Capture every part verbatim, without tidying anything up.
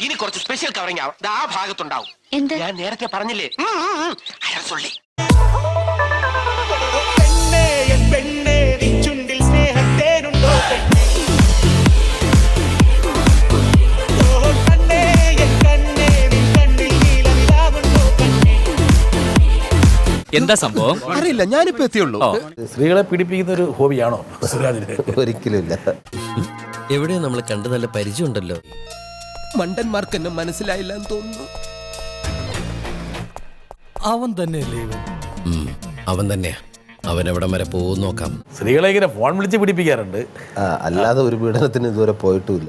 ഇനി കുറച്ച് special covering ആവും ആ ഭാഗത്തുണ്ടാവും. ഞാൻ നേരത്തെ പറഞ്ഞില്ലേ അയാൾ സൊള്ളി. എന്താ സംഭവം അറിയില്ല, ഞാനിപ്പോ എത്തിയുള്ളൂ. സ്ത്രീകളെ പീഡിപ്പിക്കുന്ന ഒരു ഹോബിയാണോ സുരാജിന്? ഒരിക്കലുമില്ല. എവിടെയോ നമ്മൾ കണ്ട് നല്ല പരിചയം ഉണ്ടല്ലോ. മണ്ടന്മാർക്ക് എന്നെ മനസ്സിലായില്ല എന്ന് തോന്നുന്നു. അവൻ തന്നെയല്ലേ ഇവൻ? അവൻ തന്നെയാ. അവൻ എവിടം വരെ പോകും നോക്കാം. സ്ത്രീകളെ ഇങ്ങനെ ഫോൺ വിളിച്ച് പീഡിപ്പിക്കാറുണ്ട്. ആ, അല്ലാതെ ഒരു പീഡനത്തിന് ഇതുവരെ പോയിട്ടുമില്ല.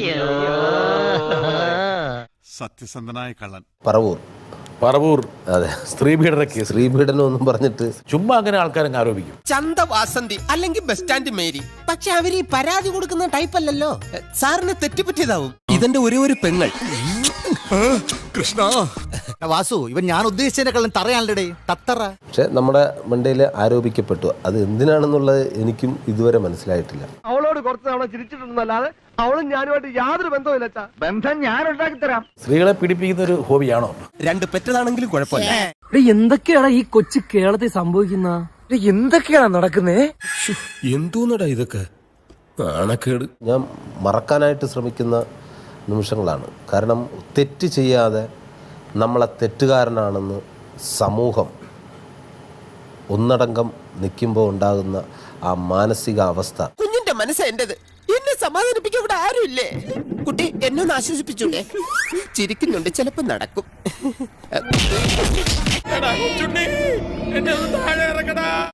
സത്യസന്ധനായ കള്ളൻ പറവൂർ. പറവൂർ. അതെ, സ്ത്രീ പീഡന കേസ്. സ്ത്രീ പീഡനം ഒന്നും പറഞ്ഞിട്ട് ചുമ്മാ അങ്ങനെ ആൾക്കാരങ്ങ് ആരോപിക്കും. ചന്ത വാസന്തി അല്ലെങ്കിൽ ബസ് സ്റ്റാൻഡ് മേരി. പക്ഷെ അവര് ഈ പരാതി കൊടുക്കുന്ന ടൈപ്പ് അല്ലല്ലോ. സാറിന് തെറ്റുപറ്റിയതാവും. ഇതെന്റെ ഒരേ ഒരു പെങ്ങൾ. കൃഷ്ണ വാസു, ഇവൻ ഞാൻ ഉദ്ദേശിച്ചതിനെക്കാളും തറയാണല്ലേ തത്തറ. പക്ഷെ നമ്മുടെ മണ്ടയിൽ ആരോപിക്കപ്പെട്ടു. അത് എന്തിനാണെന്നുള്ളത് എനിക്കും ഇതുവരെ മനസ്സിലായിട്ടില്ല. അവളോട് കുറച്ച് തവണ ചിരിച്ചിട്ടുണ്ടെന്നല്ലാതെ അവളും ഞാനുമായിട്ട് യാതൊരു ബന്ധവുമില്ല. ബന്ധം ഞാൻ ഉണ്ടാക്കി തരാം. സ്ത്രീകളെ പീഡിപ്പിക്കുന്ന ഒരു ഹോബിയാണോ? രണ്ട് പെറ്റതാണെങ്കിലും കുഴപ്പമില്ല. എന്തൊക്കെയാണ് ഈ കൊച്ചു കേരളത്തിൽ സംഭവിക്കുന്ന? എന്തൊക്കെയാണ് നടക്കുന്നേ? എന്തോന്നടാ ഇതൊക്കെ? നാണക്കേട്. ഞാൻ മറക്കാനായിട്ട് ശ്രമിക്കുന്ന നിമിഷങ്ങളാണ്. കാരണം തെറ്റ് ചെയ്യാതെ നമ്മളെ തെറ്റുകാരനാണെന്ന് സമൂഹം ഒന്നടങ്കം നിൽക്കുമ്പോൾ ഉണ്ടാകുന്ന ആ മാനസിക അവസ്ഥ. കുഞ്ഞിന്റെ മനസ്സ് എന്റേത്. എന്നെ സമാധാനിപ്പിക്കാൻ ഇവിടെ ആരുമില്ലേ? കുട്ടി എന്നെ ഒന്ന് ആശ്വസിപ്പിച്ചൂടെ? ചിരിക്കുന്നുണ്ട്, ചിലപ്പോ നടക്കും.